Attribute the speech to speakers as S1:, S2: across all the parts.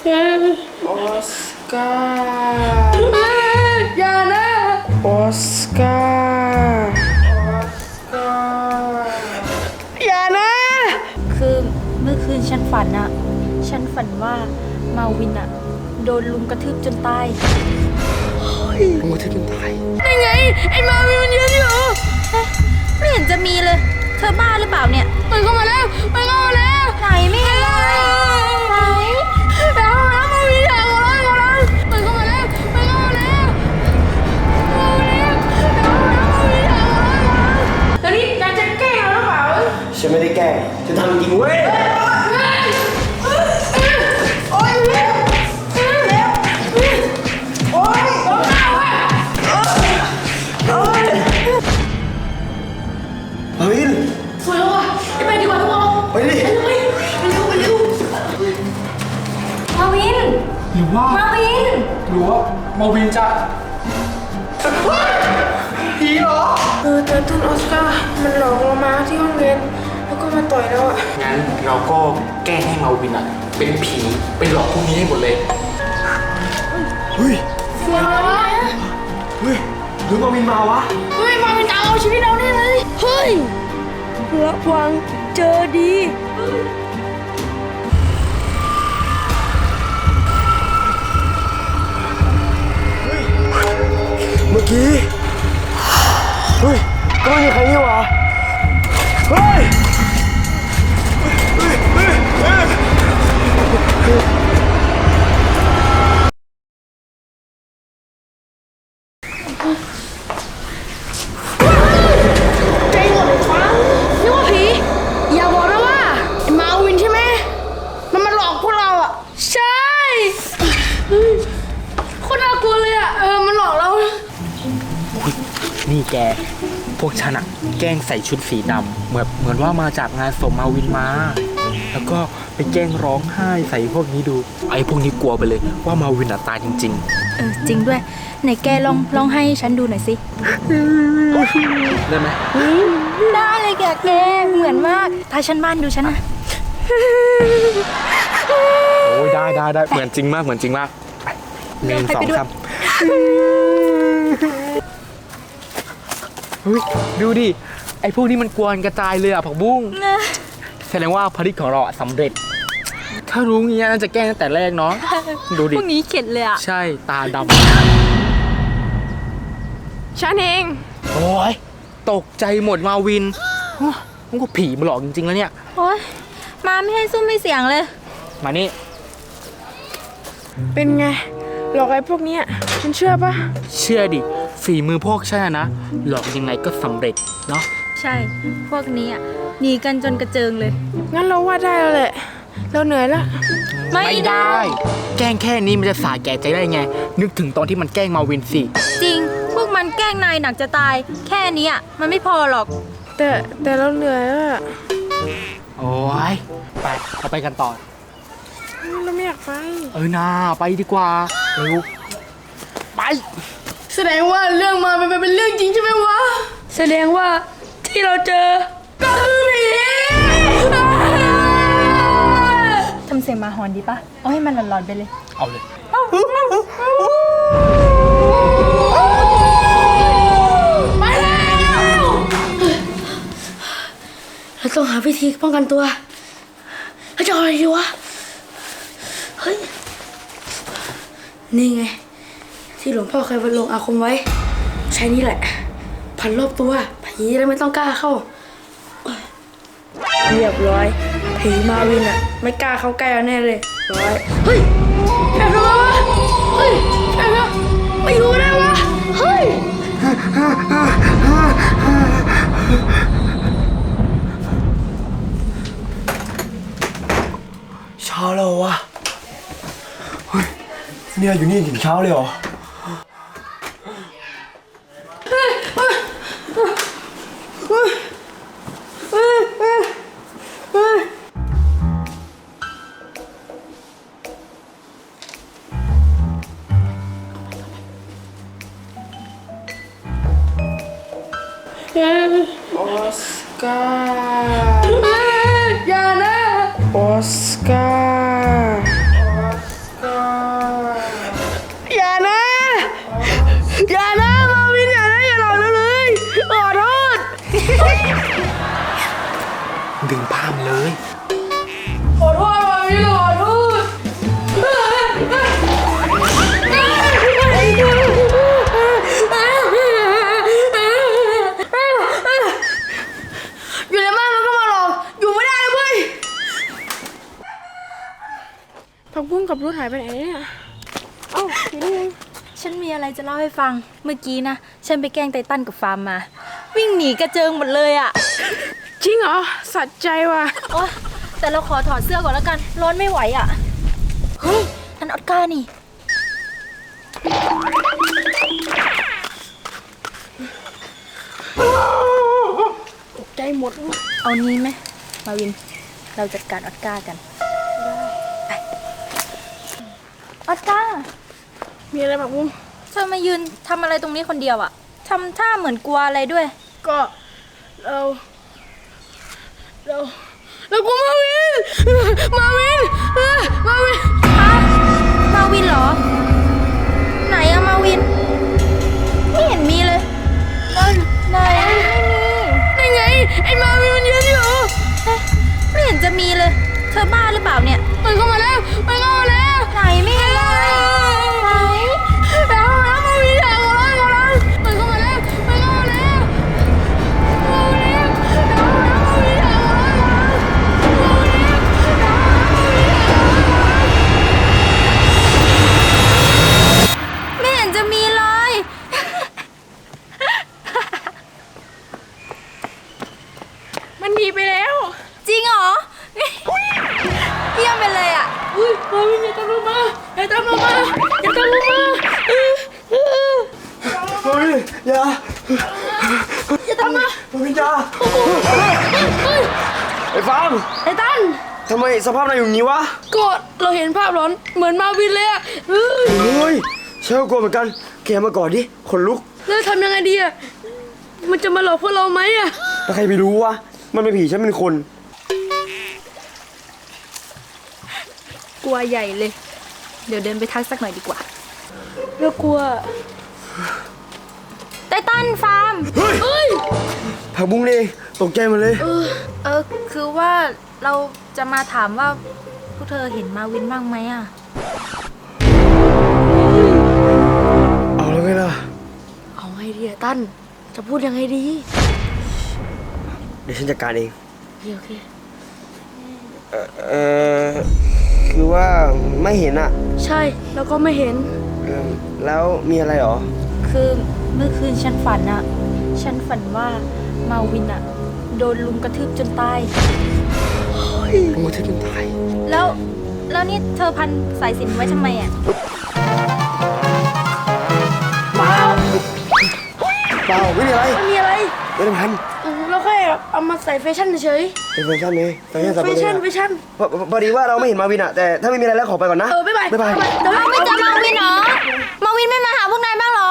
S1: ออสการ์อย่านะออสการ์อย่านะ
S2: คือเมื่อคืนฉันฝันว่ามาวินอะโดนลุมกระทืบจนตาย
S1: ลุมกระทืบจนตาย
S2: ได้ไงไอ้มาวินมันยืนอยู่ไม่เห็นจะมีเลยเธอบ้าหรือเปล่าเนี่ยมันเข้ามาแล้วไหนไม่เห็นเลยไหนแล้วมาวินอยากมามันเข้ามาแล้ว
S1: แล้วนี่การจะแกล้งเราหรือเปล่าฉันไม่ได้แกล้งฉันทำจริงเว้ยมาวินสวยแล้วอ่ะไปดีกว่าทุกคนไปดิไปเร็ว
S2: มาวิน
S1: หรือว่ามาวินจะผีเหรอแต่ท่านออสการ์มันหลอกเรามาที่ห้องเรียนแล้วก็มาต่อยเราอ่ะ
S3: งั้นเราก็แกล้งให้มาวินอ่ะเป็นผีไปหลอกพวกนี้ให้หมดเลย
S1: เฮ้ย
S2: เสียงอะไรวะ
S1: หรือมาวินมาวะ
S2: มาวินจะเอาชีวิตเราได้เลยเฮ้ยระวังเจอดี
S1: เมื่อกี้ก็ไม่มีใครนี่หว่าใจหมดเลยฟังนี่ว่าผีอย่าบอกนะว่ามาวินใช่ไหมมันมาหลอกพวกเราอ่ะใช่โคตรน่ากลัวเลยอ่ะมันหลอกเรา
S3: นี่แกพวกฉันอะแกล้งใส่ชุดสีดำเหมือนว่ามาจากงานศพมาวินมาแล้วก็ไปแกล้งร้องไห้ใส่พวกนี้ดูไอ้พวกนี้กลัวไปเลยว่ามาวินตายจริง
S2: จริงด้วยไหนแกลองให้ฉันดูหน่อยสิ
S3: ได้ไหม
S2: ได้เลยแกเหมือนมากถ้าฉันบ้านดูฉันนะ
S3: โอ้ยได้เหมือนจริงมาก1 2 3เฮ้ยดูดิไอ้พวกนี้มันกวนกระจายเลยอ่ะผักบุ้งแสดงว่าภารกิจของเราสำเร็จถ้ารู้งี้น่าจะแกล้งตั้งแต่แรกเนาะดูดิ
S2: พวกนี้เข็ดเลยอ่ะ
S3: ใช่ตาด
S2: ำฉันเอง
S3: โอ้ยตกใจหมดมาวินมันก็ผีมาหลอกจริงๆแล้วเนี่ย
S2: โอ้ยมาไม่ให้ซุ้มไม่เสียงเลย
S3: มานี่
S1: เป็นไงหลอกไอ้พวกนี้ฉันเชื่อปะ
S3: เชื่อดิฝีมือพวกฉันนะหลอกยังไงก็สำเร็จเนาะ
S2: ใช่พวกนี้หนีกันจนกระเจิงเลย
S1: งั้นเราว่าได้แล้วแหละเราเหนื่อยละ
S3: ไม่ได้แกล้งแค่นี้มันจะสาแก่ใจได้ไงนึกถึงตอนที่มันแกล้งมาวินสิ
S2: จริงพวกมันแกล้งนายหนักจะตายแค่นี้มันไม่พอหรอก
S1: แต่เราเหนื่อยแล้ว
S3: โอ้ยไปเราไปกันต่อ
S1: เราไม่อยากไป
S3: น่าไปดีกว่าเร็วไป
S1: แสดงว่าเรื่องมาเป็นเรื่องจริงใช่ไหมวะแสดงว่าที่เราเจอก็คือผี
S2: ทำเสียงมาหอนดีปะเอาให้มันหลอนๆไปเลย
S3: เอาเลย
S1: ไปแล้วเราต้องหาวิธีป้องกันตัวเราจะเอาอะไรดีวะเฮ้ยนี่ไงที่หลวงพ่อเคยบรรลงอาคมไว้ใช้นี่แหละพันรอบตัวผีแล้วไม่ต้องกล้าเข้าเรียบร้อยผีมาวินไม่กล้าเข้าใกล้เราแน่เลยร้อยเฮ้ยแอบทำไมวะเฮ้ยแอบไม่รู้ได้วะเฮ้ยเช้าแล้ววะเฮ้ยเนี่ยอยู่นี่ถึงเช้าเลยเหรอออสการ์อย่านะออสการ์
S3: เลย
S1: ขอโทษมาวินขอโทษอยู่ในบ้านมันก็มาหลอกอยู่ไม่ได้เลยเว้ยผักบุ้งกับรุดหายไปไหนเนี่ยเอ้าอยู่นี่เอง
S2: ฉันมีอะไรจะเล่าให้ฟัง เมื่อกี้นะ ฉันไปแกล้งไททันกับฟาร์มมา วิ่งหนีกระเจิงหมดเลยอะ
S1: จริงเหรอสัใจว่ะ
S2: โอ๊ยแต่เราขอถอดเสื้อก่อนแล้วกัน ร้อนไม่ไหวอะเฮ้ยนั่นออสการ์นี่
S1: ตกใจหมด
S2: เอานี้ไหมมาวิน เราจัดการออสการ์กันไปออสการ์
S1: มีอะไรผักบุ้ง
S2: เธอมายืนทำอะไรตรงนี้คนเดียวอะทำท่าเหมือนกลัวอะไรด้วย
S1: ก็เรากลัวมาวินมาวิน
S2: ฮะมาวินเหรอ ไหนอะมาวิน ไม่เห็นมีเลยไหนไม่มี
S1: นี่ไงไอ้มาวินมันยืนอยู่
S2: เอ๊ะไม่เห็นจะมีเลย เธอบ้าหรือเปล่าเนี่ย
S1: มันเข้ามาแล้วมันเข้ามาแล้ว
S2: ไหนไม่เห็นเลยไหน
S1: แล้วมาวินแล้วมันเข้ามาแล้วมันเข้ามาแล้วมาวิน
S2: ไม่เห็นจะมีเลย
S1: มันหนีไปแล้ว
S2: จริงเหรอ เยี่ยมไปเลยอะ
S1: อุ้ยมาวินอย่าตามลงมาอย่าตามลงมาอย่าตามลงมา
S4: เฮ้ยอย่า
S1: อย่าตามมา
S4: พี่จ้าไอ้ฟาร์ม
S1: ไอ้ตัน
S4: ทำไมสภาพนายอยู่อย่างนี้วะ
S1: ก็เราเห็นภาพหลอนเหมือนมาวินเลยอะเฮ้ย
S4: เฮ้ยฉันก็กลัวเหมือนกันแกมาก่อนดิขนลุก
S1: แล้วทำยังไงดีอะมันจะมาหลอกพวกเราไหมอะ
S4: แล้วใครไปรู้วะมันเป็นผีฉันเป็นคน
S2: กลัวใหญ่เลย เดี๋ยวเดินไปทักสักหน่อยดีกว่า
S1: เรากลัว
S2: ไททันฟาร์ม
S1: เฮ้ย
S4: ผักบุ้งนี่ตกใจหมดเลย
S2: คือว่าเราจะมาถามว่าพวกเธอเห็นมาวินบ้างไหมอะ
S4: เอาแล้วไงล่ะ
S1: เอาไงดีอะตันจะพูดยังไงดี
S4: เดี๋ยวฉันจัดการเอง
S1: โอเค
S4: คือว่าไม่เห็นอะ
S1: ใช่แล้วก็ไม่เห็น
S4: แล้วมีอะไรหรอ
S2: คือเมื่อคืนฉันฝันอะฉันฝันว่ามาวินอะโดนลุมกระทืบจนตาย
S4: ลุงมาทึบจนตาย
S2: แล้วนี่เธอพันสายสิญจนไว้ทำไมอะ
S4: เปล่าไม่มีอะไร
S1: ไม่มีอะไร
S4: ไม่ได้พัน
S1: เราแค่เอามาใส่แฟชั่นเฉย
S4: เป็นแฟชั่นเลยแฟชั่นสับ
S1: แฟ
S4: ปะรด
S1: ชั่น
S4: อะ
S1: แฟชั่น
S4: พอดีว่าเราไม่เห็นมาวินอะแต่ถ้าไม่มีอะไรแล้วขอไปก่อนนะ
S1: บ๊ายบาย
S4: บ๊ายบาย
S1: แต่ว่า
S2: ไม่เจอมาวินเหรอ มาวินไม่มาหาพวกนายบ้างเหรอ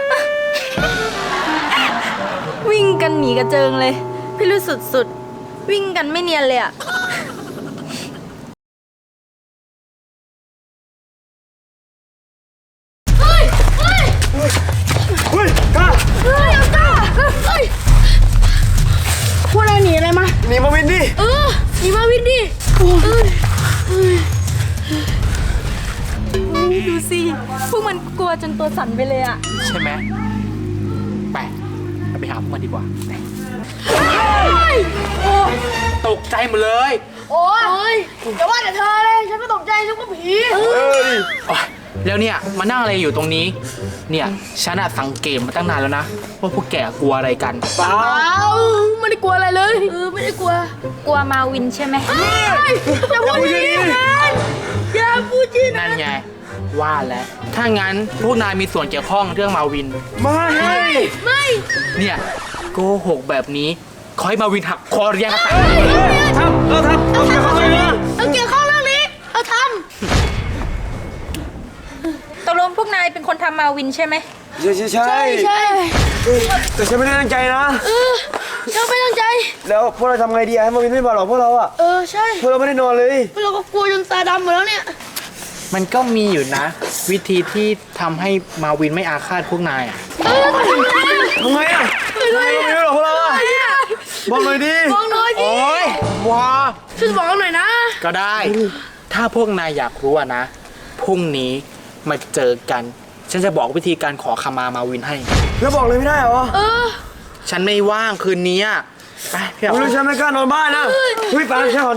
S2: วิ่งกันหนีกระเจิงเลย พี่รู้สุดๆ วิ่งกันไม่เนียนเลยอะ
S4: เฮ้ยกล้า
S1: พวกเราหนีอะไรมา
S4: หนีมาวินดิ
S1: หนีมาวินดิ
S2: ดูสิ พวกมันกลัวจนตัวสั่นไปเลยอะ
S3: ใช่ไหมไปเราไปหาพวกมันดีกว่าไปตกใจหมดเลย
S1: โอ้ยอย่าว่าแต่เธอเลยฉันไม่ตกใจฉันก็ผี
S3: โอ๊ยแล้วเนี่ยมานั่งอะไรอยู่ตรงนี้ เนี่ยฉันอะสังเกตมาตั้งนานแล้วนะ ว่าพวกแกกลัวอะไรกัน
S4: เปล่า
S1: ไม่ได้กลัวอะไรเลยไม่ได้กลัว
S2: กลัวมาวินใช่ไหม
S1: อย่าพูดอย่างนี้อย่าพูดจีน
S3: นั่นไง ว่าแล้ว ถ้างั้นพวกนายมีส่วนเกี่ยวข้องเรื่องมาวิน
S4: ไม่
S1: ไม่
S3: เนี่ยโกหกแบบนี้ขอให้มาวินหักคอเรียงกันตาย
S4: ทำเกี่ยวข้องเลยนะ
S1: เอาเกี่ยวข้องเรื่องนี้เอาท
S2: ตกลงพวกนายเป็นคนทำมาวินใช่ไหม
S4: ใช่
S1: ำใช่
S4: แต่ฉันไม่ได้ตั้งใจนะ
S1: เราไม่ตั้งใจ
S4: แล้วพวกเราทำไงดีอะให้มาวินไม่มาหรอกพวกเราอะ
S1: ใช่
S4: พวกเราไม่ได้นอนเลย
S1: พวกเราก็กลัวจนตาดำหมดแล้วเนี่ย
S3: มันก็มีอยู่นะ วิธีที่ทำให้มาวินไม่อาฆาตพวกนายอะ
S4: ทำไงอะทำไงก็ไม่รู้หรอกพวกเราอะบอกหน่อยดิ
S1: มองน้อยดิ
S3: โอ๊ยวะ
S1: ช่วยบอกหน่อยนะ
S3: ก็ได้ ถ้าพวกนายอยากรู้อะนะ พรุ่งนี้มาเจอกัน ฉันจะบอกวิธีการขอขมามาวินให้
S4: แล้วบอกเลยไม่ได้เหรอ
S3: ฉันไม่ว่างคืนนี้อะไปพี่
S4: ไม่
S3: เอา
S4: รู้ฉันไม่กล้านอนบ้านนะเฮ้ยปานฉันขอ